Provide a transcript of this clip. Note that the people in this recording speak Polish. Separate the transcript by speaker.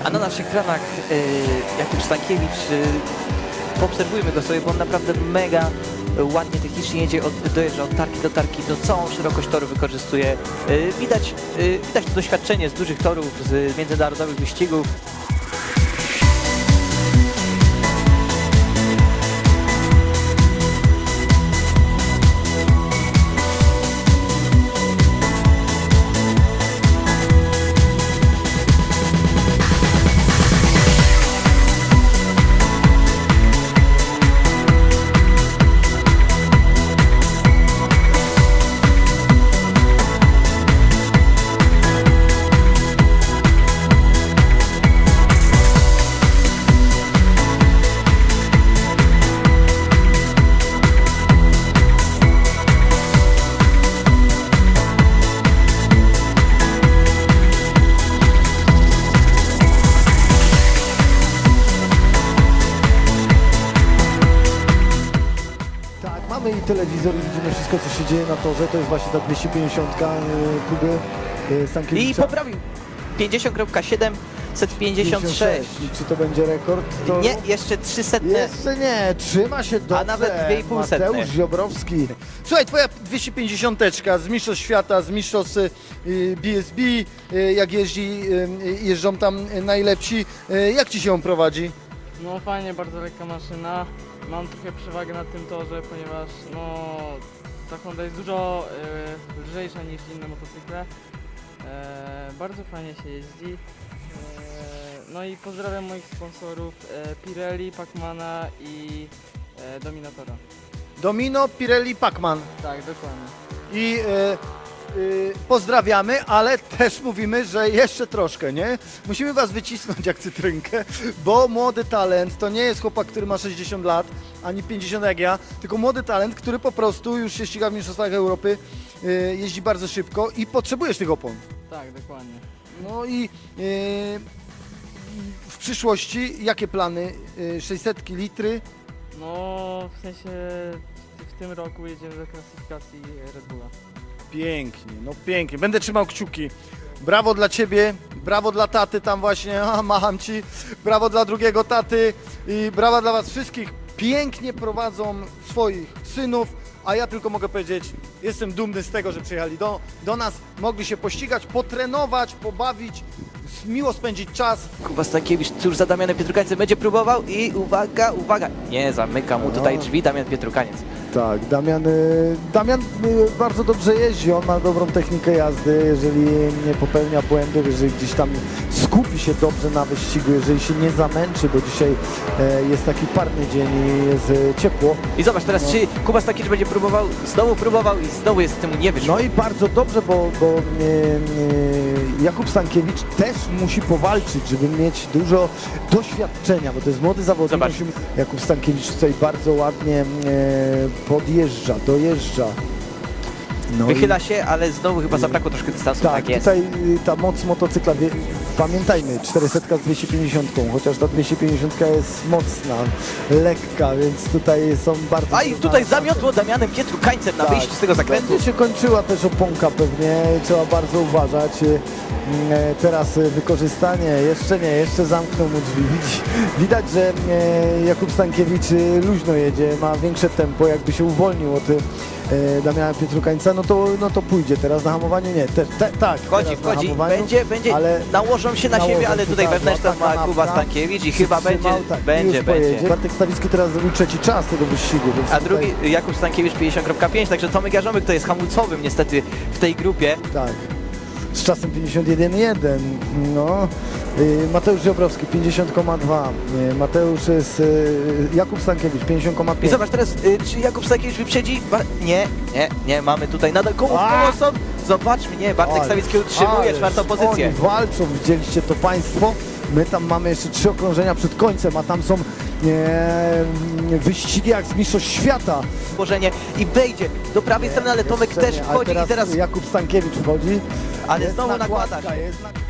Speaker 1: A na naszych ekranach Jakub Stankiewicz, poobserwujmy go sobie, bo on naprawdę mega ładnie technicznie jedzie, dojeżdża od tarki do tarki, to całą szerokość toru wykorzystuje. Widać to doświadczenie z dużych torów, z międzynarodowych wyścigów.
Speaker 2: Mamy i telewizor i widzimy wszystko, co się dzieje na torze. To jest właśnie ta 250 próby Stankiewicza.
Speaker 1: I poprawił 50,756.
Speaker 2: I czy to będzie rekord? To...
Speaker 1: Nie, jeszcze 300.
Speaker 2: Jeszcze nie, trzyma się dobrze.
Speaker 1: A nawet 2,5 setne.
Speaker 2: Mateusz Ziobrowski.
Speaker 3: Słuchaj, twoja 250 z Mistrzostw Świata, z Mistrzostw BSB, jak jeżdżą tam najlepsi, jak ci się on prowadzi?
Speaker 4: No fajnie, bardzo lekka maszyna. Mam trochę przewagę na tym torze, ponieważ no, ta Honda jest dużo lżejsza niż inne motocykle. Bardzo fajnie się jeździ. No i pozdrawiam moich sponsorów Pirelli, Pacmana i Dominatora.
Speaker 3: Domino, Pirelli, Pacman.
Speaker 4: Tak, dokładnie.
Speaker 3: I pozdrawiamy, ale też mówimy, że jeszcze troszkę, nie? Musimy was wycisnąć jak cytrynkę, bo młody talent to nie jest chłopak, który ma 60 lat, ani 50 jak ja, tylko młody talent, który po prostu już się ściga w Mistrzostwach Europy, jeździ bardzo szybko i potrzebujesz tych opon.
Speaker 4: Tak, dokładnie.
Speaker 3: No i w przyszłości jakie plany? 600 litry?
Speaker 4: No w sensie w tym roku jedziemy do klasyfikacji Red Bulla.
Speaker 3: Pięknie, no pięknie. Będę trzymał kciuki. Brawo dla ciebie, brawo dla taty tam właśnie, macham ci. Brawo dla drugiego taty i brawa dla was wszystkich. Pięknie prowadzą swoich synów, a ja tylko mogę powiedzieć, jestem dumny z tego, że przyjechali do nas, mogli się pościgać, potrenować, pobawić, miło spędzić czas.
Speaker 1: Kuba Stankiewicz tuż za Damianem Pietrukańcem będzie próbował i uwaga, uwaga, nie zamyka mu tutaj drzwi Damian Pietrukaniec.
Speaker 2: Tak, Damian bardzo dobrze jeździ, on ma dobrą technikę jazdy, jeżeli nie popełnia błędów, jeżeli gdzieś tam skupi się dobrze na wyścigu, jeżeli się nie zamęczy, bo dzisiaj jest taki parny dzień i jest ciepło.
Speaker 1: I zobacz teraz, czy Kuba Stankiewicz będzie próbował i znowu jest temu nie wyszło.
Speaker 2: No i bardzo dobrze, bo Jakub Stankiewicz też musi powalczyć, żeby mieć dużo doświadczenia, bo to jest młody zawodnik.
Speaker 1: Zobacz.
Speaker 2: Jakub Stankiewicz tutaj bardzo ładnie podjeżdża, dojeżdża. No
Speaker 1: Wychyla się, ale znowu chyba zabrakło troszkę dystansu.
Speaker 2: tak,
Speaker 1: jest.
Speaker 2: tutaj ta moc motocykla, pamiętajmy, 400 z 250, chociaż ta 250 jest mocna, lekka, więc tutaj są bardzo...
Speaker 1: A i tutaj zamiotło Damianem Pietrukańcem na wyjściu z tego zakrętu.
Speaker 2: Będzie się kończyła też oponka pewnie, trzeba bardzo uważać. Teraz wykorzystanie, jeszcze zamknął mu drzwi. Widać, że Jakub Stankiewicz luźno jedzie, ma większe tempo, jakby się uwolnił od Damiana Pietrukańca, no to pójdzie teraz na hamowaniu, nie, tak.
Speaker 1: Wchodzi, będzie,
Speaker 2: ale
Speaker 1: nałożą się na siebie, ale tutaj wewnętrzna ma Kuba Stankiewicz i chyba będzie.
Speaker 2: Bartek Stawicki teraz zrobił trzeci czas tego wyścigu. Więc
Speaker 1: A
Speaker 2: tutaj,
Speaker 1: drugi Jakub Stankiewicz 50,5, także Tomek Jarząbek to jest hamulcowym niestety w tej grupie.
Speaker 2: tak. Z czasem 51,1, no. Mateusz Ziobrowski 50,2, Jakub Stankiewicz 50,5.
Speaker 1: I zobacz teraz, czy Jakub Stankiewicz wyprzedzi? Nie, mamy tutaj nadal koło są. Zobaczmy, nie, Bartek Stawicki utrzymuje czwartą pozycję.
Speaker 2: Oni walczą, widzieliście to państwo. My tam mamy jeszcze 3 okrążenia przed końcem, a tam są wyścigi jak z Mistrzostw Świata.
Speaker 1: Położenie i wejdzie do prawej strony, ale Tomek
Speaker 2: Jeszcze
Speaker 1: też
Speaker 2: nie,
Speaker 1: wchodzi
Speaker 2: a
Speaker 1: i teraz...
Speaker 2: Jakub Stankiewicz wchodzi.
Speaker 1: Ale
Speaker 2: Jest
Speaker 1: znowu nakłada
Speaker 2: nakładka,
Speaker 1: się.
Speaker 2: jest nakładka.